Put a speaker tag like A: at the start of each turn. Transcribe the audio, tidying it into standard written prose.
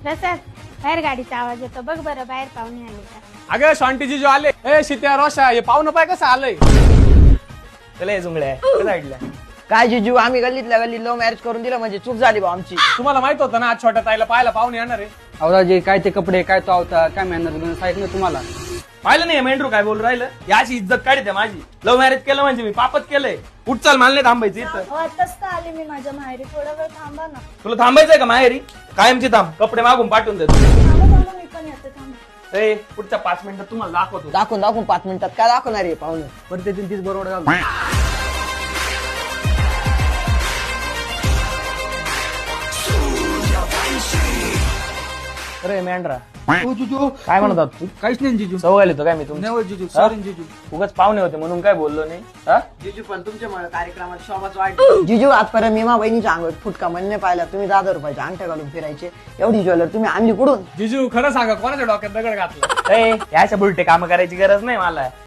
A: तसंच बाहेर गाडीचा आवाज येतो बघ बरं बाहेर पाहुणे आले का.
B: अगं शांतीजी जो आले ए शित्या रोशा हे पाहुणं पाय कसं आलंय.
C: चला हे जुंगड्या साईडला. काय जिजू आम्ही गल्लीतल्या गल्लीत लव्ह मॅरेज करून दिलं म्हणजे चूक झाली बा आमची.
B: तुम्हाला माहित होतं ना आज छोट्या ताईला पाहायला पाहुणे येणार आहे.
D: अवराजे काय ते कपडे काय तो अवतार काय मेहनत सांगितलं तुम्हाला.
C: पाहिलं नाही मेंढरू काय बोल राहिलं. याची इज्जत काढते माझी. लव्ह मॅरेज केलं म्हणजे मी पापच केलंय. उठ चाल मला नाही थांबायचं इथं.
E: आताच तर आले मी माझ्या माहेरी, थोडा वेळ थांबा ना.
C: तुला थांबायचंय का माहेरी. कायमची थांब कपडे मागून पाठवून देतो.
E: थांबा थांबा, मी पण येते थांबा.
C: ए पुढच्या 5 मिनिटात तुम्हाला दाखवतो.
F: दाखवून 5 मिनिटात काय दाखवणार आहे पाहुणे.
D: बरं ते तीच बरोबर घालून.
C: अरे मेंढरा
D: ओ जिजू
C: काय म्हणत होता तू.
D: काहीच नाही जिजू.
C: सवय येतो काय मी तुमच्या.
D: नाही जिजू सॉरी जिजू.
C: उगाच पाहुणे होते म्हणून काय बोललो नाही. हा
F: जिजू पण तुमच्यामुळे कार्यक्रमात शोभाच वाढली. जिजू आजपर्यंत मी मा बहिणीच्या अंगात फुटका म्हणणे पाहिला. तुम्ही 10,000 रुपयाच्या अंगठ्या घालून फिरायचे. एवढी ज्वेलर तुम्ही आणली कुठून.
B: जिजू खरं सांगा कोणाच्या डोक्यात दगड घातला.
C: ए, याच्या बुलटे काम करायची गरज नाही मला.